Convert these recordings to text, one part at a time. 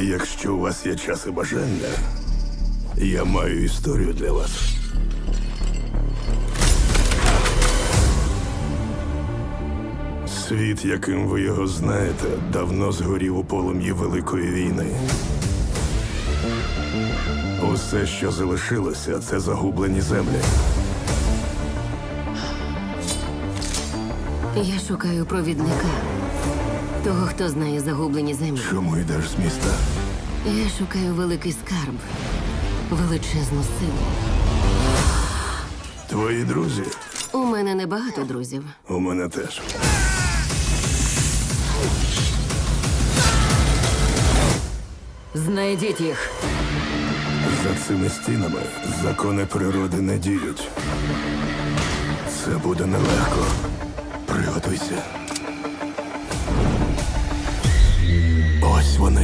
Якщо у вас є час і бажання, я маю історію для вас. Світ, яким ви його знаєте, давно згорів у полум'ї Великої війни. Усе, що залишилося, це загублені землі. Я шукаю провідника. Того, хто знає загублені землі. Чому йдеш з міста? Я шукаю великий скарб. Величезну силу. Твої друзі? У мене небагато друзів. У мене теж. Знайдіть їх. За цими стінами закони природи не діють. Це буде нелегко. Приготуйся. Ось вони.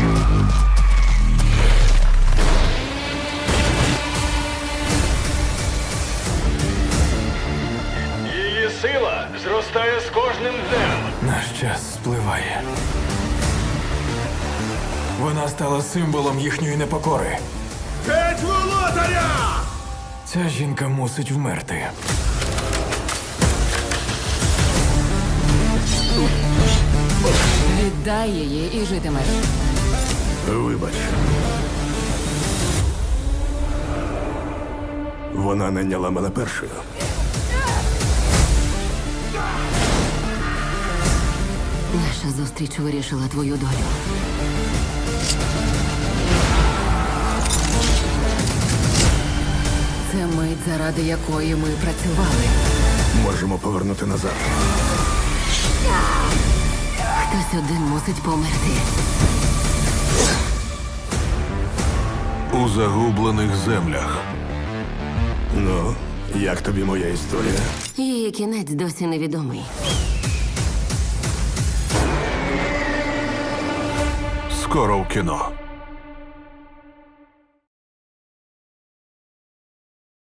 Її сила зростає з кожним днем. Наш час спливає. Вона стала символом їхньої непокори. Геть володаря! Ця жінка мусить вмерти. Віддай її і житимеш. Вибач. Вона найняла мене першою. Наша зустріч вирішила твою долю. Це мить, заради якої ми працювали. Можемо повернути назад. Хтось один мусить померти. У загублених землях. Ну, як тобі моя історія? Її кінець досі невідомий. Скоро в кіно.